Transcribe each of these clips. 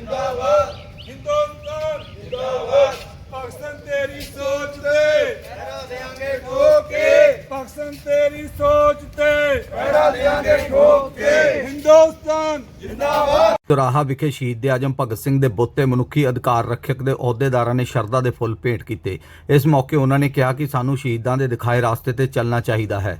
जिंदाबाद हिंदुस्तान जिंदाबाद पाकिस्तान तेरी सोच पे पहरा देंगे ठोक के पाकिस्तान तेरी सोच पे पहरा देंगे ठोक के हिंदुस्तान जिंदाबाद। ਚੌਰਾਹਾ ਵਿਖੇ ਸ਼ਹੀਦ ਦੇ ਆਜਮ ਭਗਤ ਸਿੰਘ ਦੇ ਬੁੱਤ ਤੇ ਮਨੁੱਖੀ ਅਧਿਕਾਰ ਰੱਖਿਅਕ ਦੇ ਅਹੁਦੇਦਾਰਾਂ ਨੇ ਸ਼ਰਧਾ ਦੇ ਫੁੱਲ ਭੇਂਟ ਕੀਤੇ। ਇਸ ਮੌਕੇ ਉਹਨਾਂ ਨੇ ਕਿਹਾ ਕਿ ਸਾਨੂੰ ਸ਼ਹੀਦਾਂ ਦੇ ਦਿਖਾਏ ਰਾਸਤੇ ਤੇ ਚੱਲਣਾ ਚਾਹੀਦਾ ਹੈ।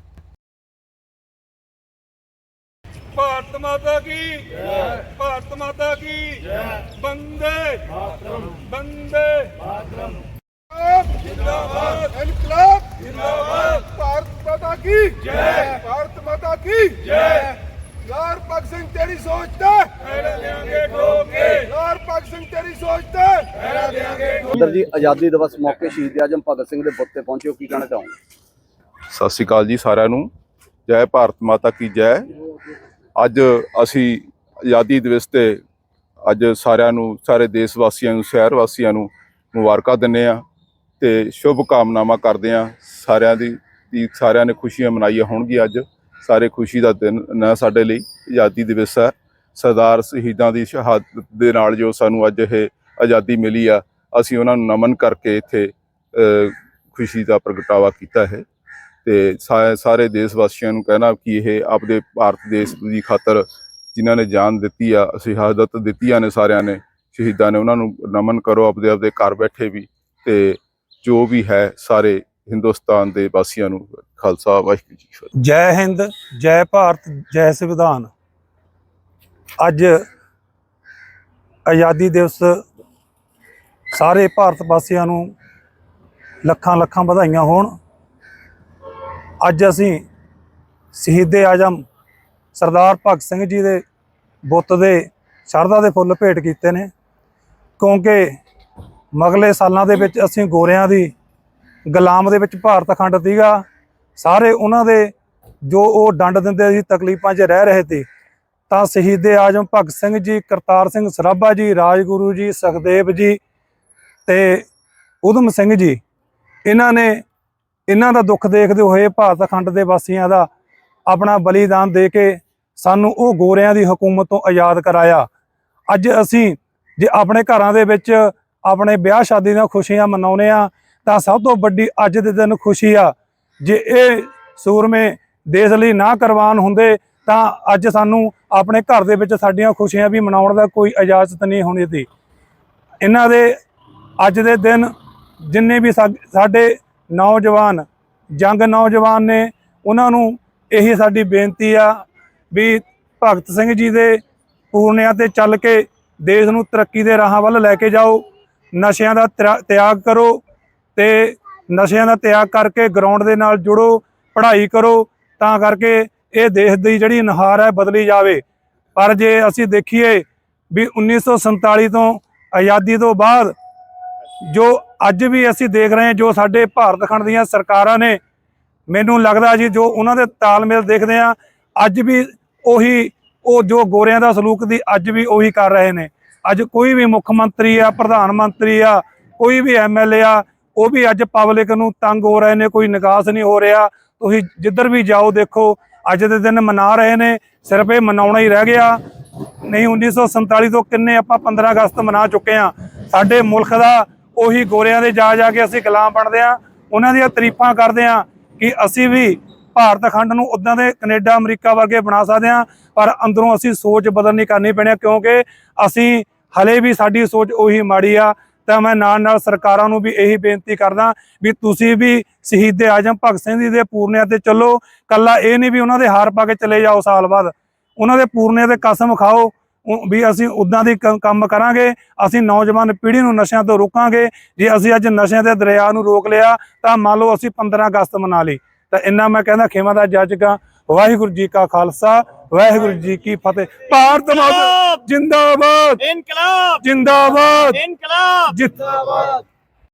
भारत माता की जय, भारत माता की जय, वंदे मातरम, वंदे मातरम, जिंदाबाद, इनकलाब जिंदाबाद, भारत माता की जय, भारत माता की जय। लाल भगत सिंह तेरी सोच ते पहरा देंगे ठोक के, लाल भगत सिंह तेरी सोच ते पहरा देंगे ठोक के। ਜੀ ਆਜ਼ਾਦੀ ਦਿਵਸ ਮੌਕੇ ਸ਼ਹੀਦ ਦੇ ਆਜਮ ਭਗਤ ਸਿੰਘ ਦੇ ਬੁੱਤ ਤੇ ਪਹੁੰਚੇ ਹੋ, ਕੀ ਕਹਿਣਾ ਚਾਹੋਗੇ? ਸਤਿ ਸ਼੍ਰੀ ਅਕਾਲ ਜੀ ਸਾਰਿਆਂ ਨੂੰ। ਜੈ ਭਾਰਤ ਮਾਤਾ ਕੀ ਜੈ। ਅੱਜ ਅਸੀਂ ਆਜ਼ਾਦੀ ਦਿਵਸ ਤੇ ਅੱਜ ਸਾਰਿਆਂ ਨੂੰ, ਸਾਰੇ ਦੇਸ਼ ਵਾਸੀਆਂ ਨੂੰ, ਸ਼ਹਿਰ ਵਾਸੀਆਂ ਨੂੰ ਮੁਬਾਰਕਾਂ ਦਿੰਦੇ ਆ ਤੇ ਸ਼ੁਭ ਕਾਮਨਾਵਾਂ ਕਰਦੇ ਆ। ਸਾਰਿਆਂ ਨੇ ਖੁਸ਼ੀਆਂ ਮਨਾਈਆਂ ਹੋਣਗੀਆਂ। ਅੱਜ ਸਾਰੇ ਖੁਸ਼ੀ ਦਾ ਦਿਨ ਨਾ ਸਾਡੇ ਲਈ ਆਜ਼ਾਦੀ ਦਿਵਸ ਹੈ। ਸਰਦਾਰ ਸ਼ਹੀਦਾਂ ਦੀ ਸ਼ਹਾਦਤ ਦੇ ਨਾਲ ਜੋ ਸਾਨੂੰ ਅੱਜ ਇਹ ਆਜ਼ਾਦੀ ਮਿਲੀ ਆ, ਅਸੀਂ ਉਹਨਾਂ ਨੂੰ ਨਮਨ ਕਰਕੇ ਇੱਥੇ ਖੁਸ਼ੀ ਦਾ ਪ੍ਰਗਟਾਵਾ ਕੀਤਾ ਹੈ ਤੇ ਸਾਰੇ ਦੇਸ਼ ਵਾਸੀਆਂ ਨੂੰ ਕਹਿਣਾ ਕਿ ਇਹ ਆਪਦੇ ਭਾਰਤ ਦੇਸ਼ ਦੀ ਖਾਤਰ ਜਿਨ੍ਹਾਂ ਨੇ ਜਾਨ ਦਿੱਤੀ ਆ, ਸ਼ਹਾਦਤ ਦਿੱਤੀਆਂ ਨੇ ਸਾਰਿਆਂ ਨੇ, ਸ਼ਹੀਦਾਂ ਨੇ, ਉਹਨਾਂ ਨੂੰ ਨਮਨ ਕਰੋ ਆਪਦੇ ਘਰ ਬੈਠੇ ਵੀ। ਤੇ ਜੋ ਵੀ ਹੈ ਸਾਰੇ ਹਿੰਦੁਸਤਾਨ ਦੇ ਵਾਸੀਆਂ ਨੂੰ ਖਾਲਸਾ ਵਾਹਿਗੁਰੂ ਜੀ ਕੀ ਫਤਿਹ। ਜੈ ਹਿੰਦ, ਜੈ ਭਾਰਤ, ਜੈ ਸੰਵਿਧਾਨ। ਅੱਜ ਆਜ਼ਾਦੀ ਦਿਵਸ ਸਾਰੇ ਭਾਰਤ ਵਾਸੀਆਂ ਨੂੰ ਲੱਖਾਂ ਲੱਖਾਂ ਵਧਾਈਆਂ ਹੋਣ। ਅੱਜ ਅਸੀਂ ਸ਼ਹੀਦੇ ਆਜਮ ਸਰਦਾਰ ਭਗਤ ਸਿੰਘ ਜੀ ਦੇ ਬੁੱਤ ਦੇ ਸ਼ਰਧਾ ਦੇ ਫੁੱਲ ਭੇਟ ਕੀਤੇ ਨੇ, ਕਿਉਂਕਿ ਮਗਲੇ ਸਾਲਾਂ ਦੇ ਵਿੱਚ ਅਸੀਂ ਗੋਰਿਆਂ ਦੀ ਗੁਲਾਮ ਦੇ ਵਿੱਚ ਭਾਰਤ ਅਖੰਡ ਸੀਗਾ। ਸਾਰੇ ਉਹਨਾਂ ਦੇ ਜੋ ਉਹ ਡੰਡ ਦਿੰਦੇ ਸੀ, ਤਕਲੀਫਾਂ 'ਚ ਰਹਿ ਰਹੇ ਸੀ, ਤਾਂ ਸ਼ਹੀਦੇ ਆਜਮ ਭਗਤ ਸਿੰਘ ਜੀ, ਕਰਤਾਰ ਸਿੰਘ ਸਰਾਭਾ ਜੀ, ਰਾਜਗੁਰੂ ਜੀ, ਸੁਖਦੇਵ ਜੀ ਤੇ ਊਧਮ ਸਿੰਘ ਜੀ, ਇਹਨਾਂ ਦਾ ਦੁੱਖ ਦੇਖਦੇ ਹੋਏ ਭਾਰਤ ਅਖੰਡ ਦੇ ਵਾਸੀਆਂ ਦਾ ਆਪਣਾ ਬਲੀਦਾਨ ਦੇ ਕੇ ਸਾਨੂੰ ਉਹ ਗੋਰਿਆਂ ਦੀ ਹਕੂਮਤ ਤੋਂ ਆਜ਼ਾਦ ਕਰਾਇਆ। ਅੱਜ ਅਸੀਂ ਜੇ ਆਪਣੇ ਘਰਾਂ ਦੇ ਵਿੱਚ ਆਪਣੇ ਵਿਆਹ ਸ਼ਾਦੀ ਦੀਆਂ ਖੁਸ਼ੀਆਂ ਮਨਾਉਂਦੇ ਆ, ਤਾਂ ਸਭ ਤੋਂ ਵੱਡੀ ਅੱਜ ਦੇ ਦਿਨ ਖੁਸ਼ੀ ਆ। ਜੇ ਇਹ ਸੂਰਮੇ ਦੇਸ਼ ਲਈ ਨਾ ਕੁਰਬਾਨ ਹੁੰਦੇ ਤਾਂ ਅੱਜ ਸਾਨੂੰ ਆਪਣੇ ਘਰ ਦੇ ਵਿੱਚ ਸਾਡੀਆਂ ਖੁਸ਼ੀਆਂ ਵੀ ਮਨਾਉਣ ਦਾ ਕੋਈ ਇਜਾਜ਼ਤ ਨਹੀਂ ਹੋਣੀ ਸੀ। ਇਹਨਾਂ ਦੇ ਅੱਜ ਦੇ ਦਿਨ ਜਿੰਨੇ ਵੀ ਸਾਡੇ ਨੌਜਵਾਨ ਜੰਗ ਨੌਜਵਾਨ ਨੇ, ਉਹਨਾਂ ਨੂੰ ਇਹੀ ਸਾਡੀ ਬੇਨਤੀ ਆ ਵੀ ਭਗਤ ਸਿੰਘ ਜੀ ਦੇ ਪੂਰਨਿਆਂ ਤੇ ਚੱਲ ਕੇ ਦੇਸ਼ ਨੂੰ ਤਰੱਕੀ ਦੇ ਰਾਹਾਂ ਵੱਲ ਲੈ ਕੇ ਜਾਓ। ਨਸ਼ਿਆਂ ਦਾ ਤਿਆਗ ਕਰੋ ਤੇ ਨਸ਼ਿਆਂ ਦਾ ਤਿਆਗ ਕਰਕੇ ਗਰਾਊਂਡ ਦੇ ਨਾਲ ਜੁੜੋ, ਪੜ੍ਹਾਈ ਕਰੋ, ਤਾਂ ਕਰਕੇ ਇਹ ਦੇਸ਼ ਦੀ ਜਿਹੜੀ ਨੁਹਾਰ ਹੈ ਬਦਲੀ ਜਾਵੇ। ਪਰ ਜੇ ਅਸੀਂ ਦੇਖੀਏ ਵੀ 1947 ਤੋਂ ਆਜ਼ਾਦੀ ਤੋਂ ਬਾਅਦ ਜੋ ਅੱਜ ਵੀ ਅਸੀਂ ਦੇਖ ਰਹੇ ਹਾਂ, ਜੋ ਸਾਡੇ ਭਾਰਤ ਖੰਡ ਦੀਆਂ ਸਰਕਾਰਾਂ ਨੇ, ਮੈਨੂੰ ਲੱਗਦਾ ਜੀ ਜੋ ਉਹਨਾਂ ਦੇ ਤਾਲਮੇਲ ਦੇਖਦੇ ਆ, ਅੱਜ ਵੀ ਉਹ ਜੋ ਗੋਰਿਆਂ ਦਾ ਸਲੂਕ ਦੀ ਅੱਜ ਵੀ ਉਹੀ ਕਰ ਰਹੇ ਨੇ। ਅੱਜ ਕੋਈ ਵੀ ਮੁੱਖ ਮੰਤਰੀ ਆ, ਪ੍ਰਧਾਨ ਮੰਤਰੀ ਆ, ਕੋਈ ਵੀ ਐਮਐਲਏ ਆ, ਉਹ ਵੀ ਅੱਜ ਪਬਲਿਕ ਨੂੰ ਤੰਗ ਹੋ ਰਹੇ ਨੇ, ਕੋਈ ਨਿਕਾਸ ਨਹੀਂ ਹੋ ਰਿਹਾ। ਤੁਸੀਂ ਜਿੱਧਰ ਵੀ ਜਾਓ ਦੇਖੋ ਅੱਜ ਦੇ ਦਿਨ ਮਨਾ ਰਹੇ ਨੇ, ਸਿਰਫ ਇਹ ਮਨਾਉਣਾ ਹੀ ਰਹਿ ਗਿਆ। ਨਹੀਂ 1947 ਤੋਂ ਕਿੰਨੇ ਆਪਾਂ 15 ਅਗਸਤ ਮਨਾ ਚੁੱਕੇ ਆ। ਸਾਡੇ ਮੁਲਕ ਦਾ ਉਹੀ ਗੋਰਿਆਂ ਦੇ ਜਾ ਕੇ ਅਸੀਂ ਗੁਲਾਮ ਬਣਦੇ ਆ, ਉਹਨਾਂ ਦੀਆਂ ਤਾਰੀਫਾਂ ਕਰਦੇ ਆ ਕਿ ਅਸੀਂ ਵੀ ਭਾਰਤ ਖੰਡ ਨੂੰ ਉੱਦਾਂ ਦੇ ਕੈਨੇਡਾ ਅਮਰੀਕਾ ਵਰਗੇ ਬਣਾ ਸਕਦੇ ਆ। ਪਰ ਅੰਦਰੋਂ ਅਸੀਂ ਸੋਚ ਬਦਲਣੀ ਕਰਨੀ ਪੈਣੀ, ਕਿਉਂਕਿ ਅਸੀਂ ਹਲੇ ਵੀ ਸਾਡੀ ਸੋਚ ਉਹੀ ਮਾੜੀ ਆ। ਤਾਂ ਮੈਂ ਨਾਲ ਸਰਕਾਰਾਂ ਨੂੰ ਵੀ ਇਹੀ ਬੇਨਤੀ ਕਰਦਾ ਵੀ ਤੁਸੀਂ ਵੀ ਸ਼ਹੀਦੇ ਆਜਮ ਭਗਤ ਸਿੰਘ ਜੀ ਦੇ ਪੂਰਨਿਆਂ ਤੇ ਚੱਲੋ। ਕੱਲਾ ਇਹ ਨਹੀਂ ਵੀ ਉਹਨਾਂ ਦੇ ਹਾਰ ਪਾ ਕੇ ਚਲੇ ਜਾਓ, ਸਾਲ ਬਾਅਦ ਉਹਨਾਂ ਦੇ ਪੂਰਨਿਆਂ ਤੇ ਕਸਮ ਖਾਓ ਵੀ ਅਸੀਂ ਉੱਦਾਂ ਦੀ ਕੰਮ ਕਰਾਂਗੇ। ਅਸੀਂ ਨੌਜਵਾਨ ਪੀੜ੍ਹੀ ਨੂੰ ਨਸ਼ਿਆਂ ਤੋਂ ਰੋਕਾਂਗੇ। ਜੇ ਅਸੀਂ ਅੱਜ ਨਸ਼ਿਆਂ ਦੇ ਦਰਿਆ ਨੂੰ ਰੋਕ ਲਿਆ ਤਾਂ ਮੰਨ ਲਓ ਅਸੀਂ 15 ਅਗਸਤ ਮਨਾ ਲਈ। ਤਾਂ ਇੰਨਾ ਮੈਂ ਕਹਿੰਦਾ ਖੇਮਾ ਦਾ ਜੱਜ ਗਾ। ਵਾਹਿਗੁਰੂ ਜੀ ਕਾ ਖਾਲਸਾ, ਵਾਹਿਗੁਰੂ ਜੀ ਕੀ ਫਤਿਹ। ਭਾਰਤ ਮਾਤਾ ਜਿੰਦਾਬਾਦ, ਇਨਕਲਾਬ ਜਿੰਦਾਬਾਦ, ਇਨਕਲਾਬ ਜਿੰਦਾਬਾਦ।